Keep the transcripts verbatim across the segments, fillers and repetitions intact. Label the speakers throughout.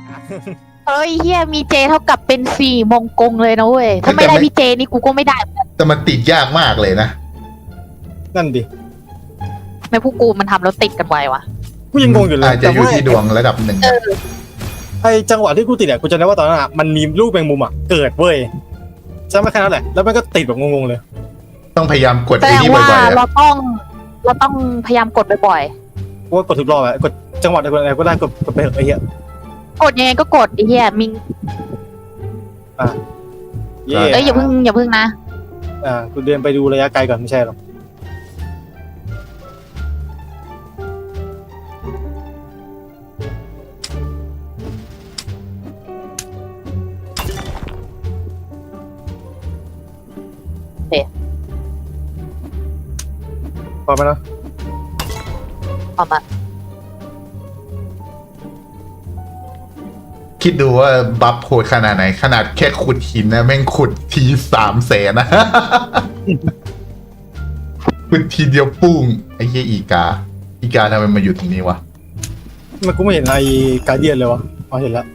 Speaker 1: เฮ้ยเฮียมีเจเท่ากับเป็นสี่มงกงเลยนะเว้ยถ้าไม่ได้พี่เจนี่กูก็ไม่ได้
Speaker 2: แต่มันติดยากมากเลยนะ
Speaker 3: นั่นดิ
Speaker 1: ไม่พวกกูมันทำแล้วติดกันไววะ
Speaker 3: กูยังงงอยู่เลย
Speaker 2: อาจจะอยู่ที่ดวงระดับหนึ่ง
Speaker 1: เออ
Speaker 3: ไอจังหวะที่กูติดอ่ะกูจำได้ว่าตอนนั้นอ่ะมันมีลูกแมงมุมอ่ะเกิดเว้ยใช่ไหมแค่นั้นแหละแล้วมันก็ติดแบบงงๆเลย
Speaker 2: ต้องพยายามกด
Speaker 1: แส
Speaker 2: ไอ้
Speaker 1: ดง
Speaker 2: นี่
Speaker 1: ว่า
Speaker 2: บ่อยๆ
Speaker 1: เรา
Speaker 2: อะ
Speaker 1: ต้องเราต้องพยายามกดบ่อย
Speaker 3: กูว่ากดทุกรอบอ่ะกดจังหวะใดกดอะไรก็ได้กดกดไปเถอะไอ้เหี้ย
Speaker 1: ๆกดยังไงก็กดไอ้เหี้ยมิง
Speaker 3: เย่
Speaker 1: เอ้ยอย่าเพิ่งอย่าเพิ่งนะ
Speaker 3: อ่ากูเดินไปดูระยะไกลก่อนไม่ใช่หรอก
Speaker 1: เอ๊ะ
Speaker 3: พอไหมนะ
Speaker 1: ออกมา
Speaker 2: คิดดูว่าบัฟโหดขนาดไหน ขนาดแค่ขุดหินนะแม่งขุดทีสามแสนนะ ขุดทีเดียวปุ้งไอ้เหี้ยอีกา อีกาทำไมมาอยู่ตรงนี้วะ
Speaker 3: มันกูไม่เห็นไอ้การเดียนเลยวะอ๋อเห็นแล้ว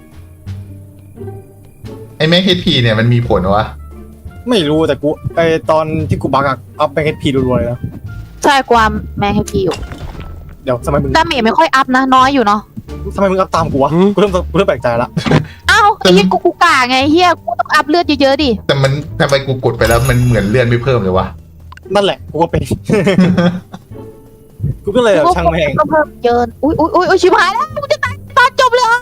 Speaker 2: ไอ้แม็กเฮดพีเนี่ยมันมีผลวะ
Speaker 3: ไม่รู้แต่กูไอตอนที่กูบักอะอัพแบงค์เอพีรัวๆเลยนะ
Speaker 1: ใช่ความแม่ให้พี่อยู่
Speaker 3: เดี๋ยวทำไมมึง
Speaker 1: ดาเมจไม่ค่อยอัพนะน้อยอยู่เนาะ
Speaker 3: ทำไมมึงอัพตามกูวะกูเริ่มกูเริ่มแปลกใจละ
Speaker 1: อ้าวไอ้เหี้ยกูกูกาไงเหี้ยกูต้องอัพเลือดเยอะๆดิ
Speaker 2: แต่มันทำไมกูกดไปแล้วมันเหมือนเลื่อนไม่เพิ่มเลยวะ
Speaker 3: นั่นแหละกูก็เป็น กูก็เลยแบบช่างแม่ง
Speaker 1: ก็เพิ่มเยินอุ้ยอุ้ยอุ้ยชิบหายแล้วกูจะตายตอนจบเลยเหรอ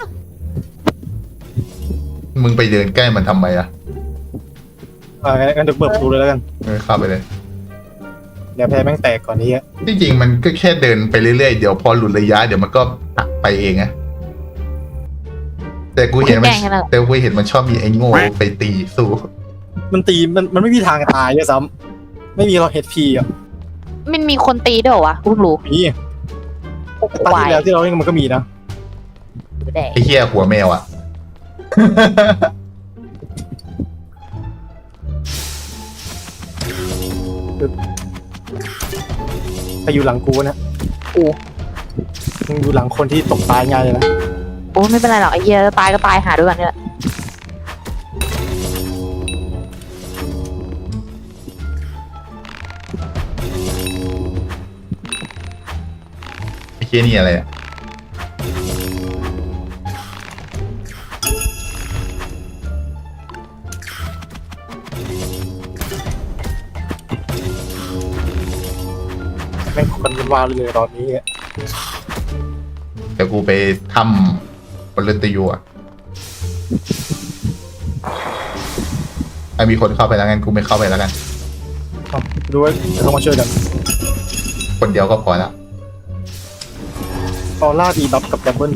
Speaker 2: มึงไปเดินใกล้มันทำไมอะ
Speaker 3: อ่างั้นเดี๋ยวเปิดประตูเลยแล้วกัน
Speaker 2: เออเข้าไปเลย
Speaker 3: เดี๋ยวแพ้แม่งแตกก่อนนี้อะ
Speaker 2: ที่จริงมันก็แค่เดินไปเรื่อยๆ เดี๋ยวพอหลุดระยะเดี๋ยวมันก็หักไปเองอะแต่กูเห็นมันแต่กูเห็นมันชอบมีไอ้โง่ไปตีสู้
Speaker 3: มันตีมันมันไม่มีทางตายด้วยซ้ำไม่มีเราเฮดพีอ่ะ
Speaker 1: มันมีคนตีด้วยเหรอวะกูเพิ่งรู้
Speaker 3: มี
Speaker 1: โอ้โห
Speaker 3: ตา
Speaker 1: ไหว
Speaker 3: ที่แล้วที่เราเล่นมันก็มีนะ
Speaker 1: แดก
Speaker 2: ไอ้เหี้ยหัวแมวอะ
Speaker 3: ไปอยู่หลังกูนะ
Speaker 1: กู
Speaker 3: มึงอยู่หลังคนที่ตกตายง่ายเลยนะ
Speaker 1: โอ้ไม่เป็นไรหรอกไอ้เหี้ยตายก็ตายหาด้วยกันนี่แหละ
Speaker 2: ไอ้เหี้ยนี่อะไรอะ
Speaker 3: แม่งคนกันวาวเลยตอนนี้อะ
Speaker 2: เดี๋ยวกูไปทำบนเรือนตะยูอะไอ้มีคนเข้าไปแล้วงั้นกูไม่เข้าไปแล้วกัน
Speaker 3: ครับดูว่าจะเข้ามาช่วยกัน
Speaker 2: คนเดียวก็พอแล้ว
Speaker 3: ออร่าดีบัฟกับดับเบิล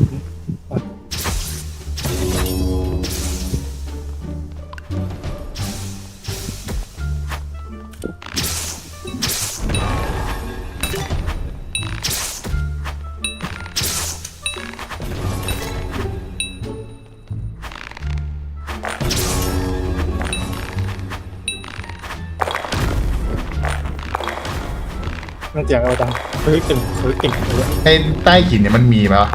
Speaker 3: มันเสียงอะไรดังเฮ้ยเก่งเฮ้ยเก่งเลย
Speaker 2: ไอ้ใต้หินเนี่ยมันมีไหมวะ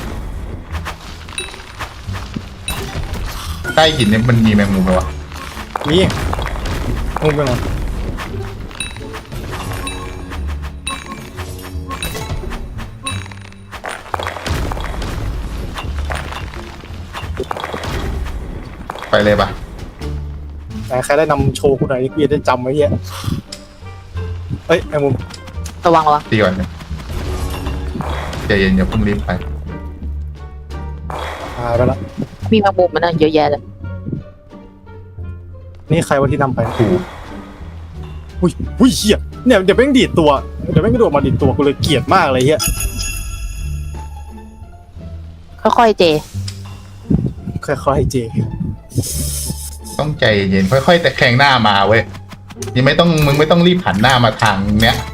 Speaker 2: ใต้หินเนี่ยมันมีแมงมุมไหมวะ
Speaker 3: นี่งงไปหน่อย
Speaker 2: ไปเลยปะ
Speaker 3: แต่ใครได้นำโชว์กูหน่อยกูจะได้จำไว้เหี้ยเฮ้ยไอ้มุม
Speaker 1: ระวังระวัง
Speaker 2: ตีก่อนนะใจเย็นอย่าเพิ่งรีบไป
Speaker 3: หายไปละ
Speaker 1: มีแมงมุมมันนะเยอะแยะเลย
Speaker 3: นี่ใครว่าที่นำไป
Speaker 2: กู
Speaker 3: อุ้ยอุ้ยเหี้ยเนี่ยเดี๋ยวแม่งดีดตัวเดี๋ยวแม่งกระโดดมาดีดตัวกูเลยเกลียดมากเลยเหี้ย
Speaker 1: ค่อยๆเจ
Speaker 3: ค่อยๆเจ
Speaker 2: ต้องใจเย็นค่อยๆแต่แข่งหน้ามาเว้ยยังไม่ต้องมึงไม่ต้องรีบหันหน้ามาทางเนี้ย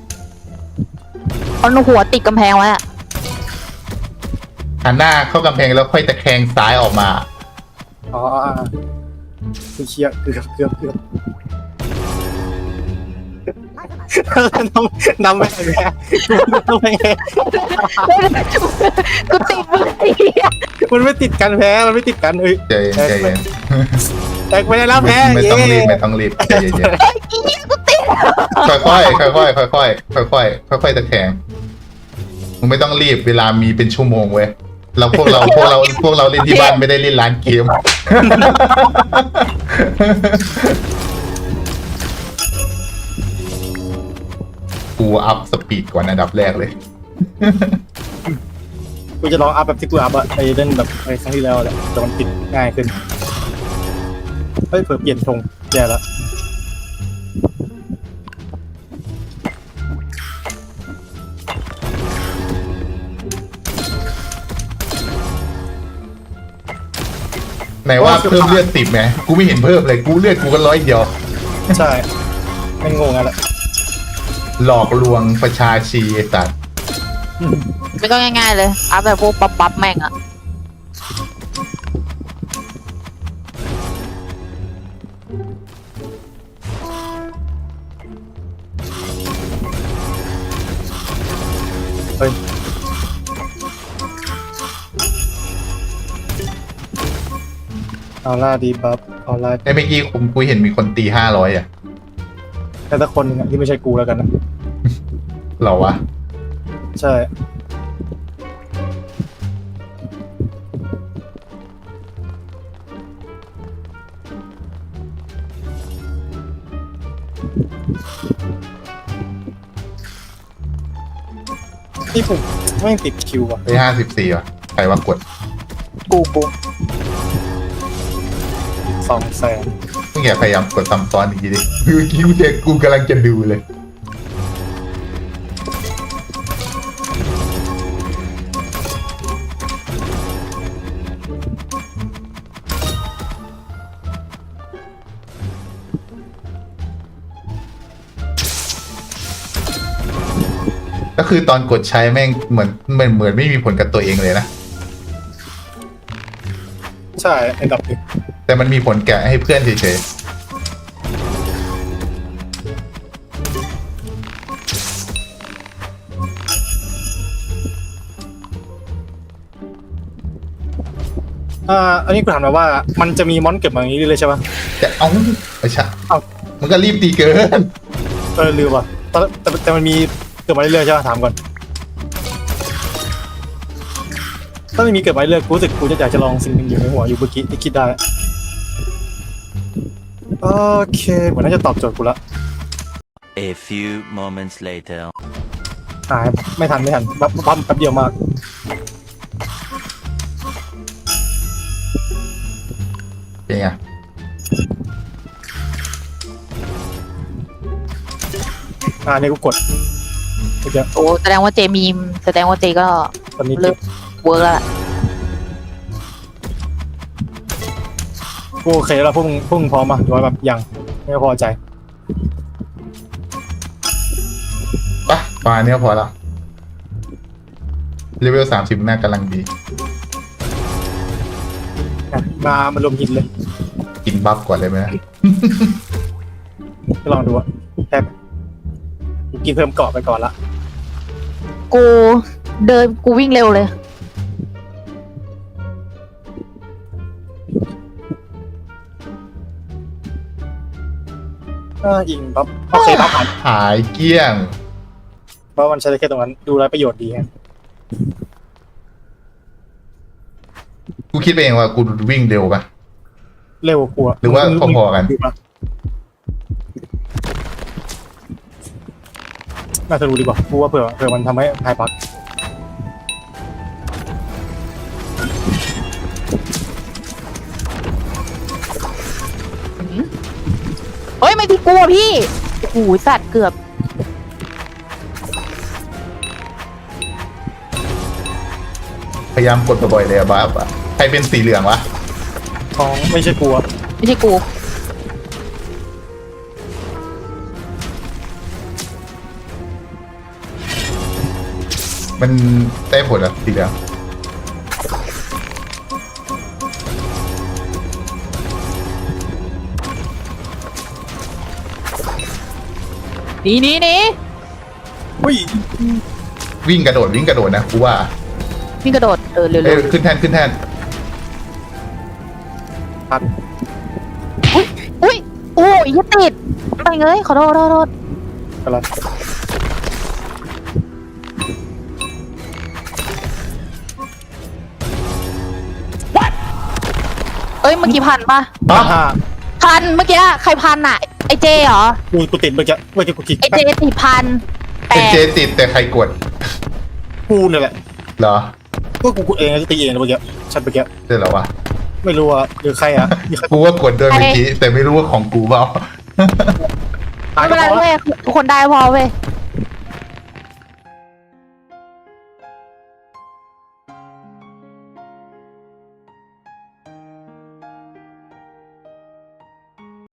Speaker 1: เอาหัวติดกำแพงไว้อะ
Speaker 2: หันหน้าเข้ากำแพงแล้วค่อยตะแคงซ้ายออกมา
Speaker 3: อ๋ออ่าคือเชียเกือบเกือบเกือบนำนำไปไงนำไปไง
Speaker 1: กูติดมือไอ้เหี้ย
Speaker 3: มันไม่ติดกันแพ้มันไม่ติดกันเอ้ย
Speaker 2: ใจเย็นใจเย็น
Speaker 3: แตกไปได้แล้วแพ้
Speaker 2: ไม่ต้องรีบ
Speaker 3: เย้
Speaker 2: ไม่ต้องรีบใจเย็น
Speaker 1: ไอ้เหี้ยกูติด
Speaker 2: ๆค่อยๆค่อยๆค่อยๆค่อยๆค่อยๆตะแคงมึงไม่ต้องรีบเวลามีเป็นชั่วโมงเว้ยเราพวกเราพวกเราพวกเราเล่นที่บ้านไม่ได้เล่นร้านเกม กูอัพสปีดก่อนอันดับแรกเลย
Speaker 3: กูจะลองอัพแบบที่กูอัพอะไปเล่นแบบในครั้งที่แล้วแหละแต่มันติดง่ายขึ้นเฮ้ยเผื่อเปลี่ยนธงแย่แล้ว
Speaker 2: ไหนว่าเพิ่มเลือดติดไหมกูไม่เห็นเพิ่มเลยกูเลือดกูก็ร้อยเดียว
Speaker 3: ใช่ไม่งงอะไร
Speaker 2: หลอกลวงประชาชีไอ้สัตว์
Speaker 1: ไม่ต้องง่ายๆเลยอัพแบบพวกปั๊บปั๊บแม่งอะ
Speaker 3: เฮ้ยเอาล่าดีบัฟเอาล่า
Speaker 2: ไอ้เมื่อกี้ผมกูเห็นมีคนตีห้าร้อยอ่ะ
Speaker 3: แต่ถ้าคนหนึงอะที่ไม่ใช่กูแล้วกันนะ
Speaker 2: เหรอวะ
Speaker 3: ใช่ที่ผมไม่งติดคิวอ่ะ
Speaker 2: ไปห้าสิบสี่อ่ะใครว่ากด
Speaker 3: กูกูสองแสน
Speaker 2: มึงอย่าพยายามกดซ้ำซ้อนอีกทีดิเมื่อกี้กูเจอกูกำลังจะดูเลย ก็คือตอนกดใช้แม่งเหมือนเหมือนเหมือนไม่มีผลกับตัวเองเลยนะ
Speaker 3: ใช่อันดับหนึ่ง
Speaker 2: แต่มันมีผลแก่ให้เพื่อนเฉย
Speaker 3: อ่าอันนี้กูถามมาว่ามันจะมีมอนเก็บมาอย่างนี้เลยใช่ปะ
Speaker 2: ๆแต่เอาไอ้ชะ
Speaker 3: เอ้า
Speaker 2: มันก็รีบตีเกิน
Speaker 3: เออลืมว่ะแต่แต่แต่มันมีเกิดมาเรื่อยๆใช่ปะถามก่อนถ้าไม่มีเกิดมาเรื่อยๆกูรู้สึกกูจะอยากจะลองสิ่งหนึ่งอยู่ในหัวอยู่เมื่อกี้ที่คิดได้โอเคเหมือนน่าจะตอบโจทย์กูละ
Speaker 4: A few moments later.
Speaker 3: หายไม่ทันไม่ทันบัฟบัฟแป๊บเดียวมาก
Speaker 2: เป็นไง
Speaker 3: อ่านี่กูกดเมื่อกี้
Speaker 1: โอ้แสดงว่าเจมีมแสดงว่าเจก็
Speaker 3: ตอนนี้
Speaker 1: เลิ
Speaker 3: เก็
Speaker 1: ก
Speaker 3: บ
Speaker 1: เวิร์กแล้วล่ะ
Speaker 3: กูโอเคแล้วพวกมึงพวกมึงพร้อมมาหรือว่าแบบยังไม่พอใจ
Speaker 2: ปะประมาณเนี้ยพอแล้วเลเวลสามสิบน่ากำลังดี
Speaker 3: อ่ะมามารวมหินเลย
Speaker 2: กินบัฟก่อนเลยไหมนะ
Speaker 3: ก็ลองดูว่าแค่กูกินเพิ่มเกาะไปก่อนละ
Speaker 1: กูเดินกูวิ่งเร็วเลย
Speaker 3: อ่าอิงบัฟโอเคบัฟหาย
Speaker 2: หายเกลี้ยง
Speaker 3: เพราะมันใช้ได้แค่ตรงนั้นดูแลประโยชน์ดีฮะ
Speaker 2: กูคิดไปเองว่ากูวิ่งเร็วปะ
Speaker 3: เร็วกว่า
Speaker 2: หรือว่าพอๆกัน
Speaker 3: ดูปะน่าจะรู้ดีกว่ากูว่าเผื่อเผื่อมันทำให้หายปัก
Speaker 1: เฮ้ยไม่พี่กลัวพี่โอ้โหสัตว์เกือบ
Speaker 2: พยายามกดบ่อยๆเลยอะบัฟอะใครเป็นสีเหลืองวะ
Speaker 3: ของไม่ใช่กลัว
Speaker 1: ไม่ใช่กู
Speaker 2: มันได้ผลอะสีเหลือง
Speaker 1: ดหนีหนีหนี
Speaker 3: เฮ้ย
Speaker 2: วิ่งกระโดดวิ่งกระโดดนะกูว่า
Speaker 1: นี่กระโดดเออเร็ว
Speaker 2: เอ้ยขึ้นแท่นขึ้นแท่น
Speaker 3: พัน
Speaker 1: ๆอุ้ยอุ้ยโอ้ยยังติดไปเงยขอโทษขอโทษขอโทษ
Speaker 3: กำลัง
Speaker 1: เอ้ยเมื่อกี้พันปะ
Speaker 2: อ๋อ
Speaker 3: ห้า
Speaker 1: พันเมื่อกี้ใครพันอ่ะไอเจเหรอ
Speaker 3: กูกูติดเมื่อกี้เมื่อกี้กูคิด
Speaker 1: ไอเจติดพันแป
Speaker 2: เป็น
Speaker 1: ด
Speaker 2: เจติดแต่ใครกด
Speaker 3: กูเนี่ยแหละ
Speaker 2: เหรอ
Speaker 3: ก็กูกูเองก็ตีเองนะเมื่อกี้ฉันเมื่อกี้
Speaker 2: ใช่เหรอวะ
Speaker 3: ไม่รู้ว่าหรือใครอ่ะมีใคร
Speaker 2: กูว่ากดด้วยเมื่อกี้แต่ไม่รู้ว่าของกูเปล่า
Speaker 3: ตาย
Speaker 1: ไม่
Speaker 3: ก็
Speaker 1: เป็นไร
Speaker 3: พอ
Speaker 1: เว้ยทุกคนได้พอเว้ย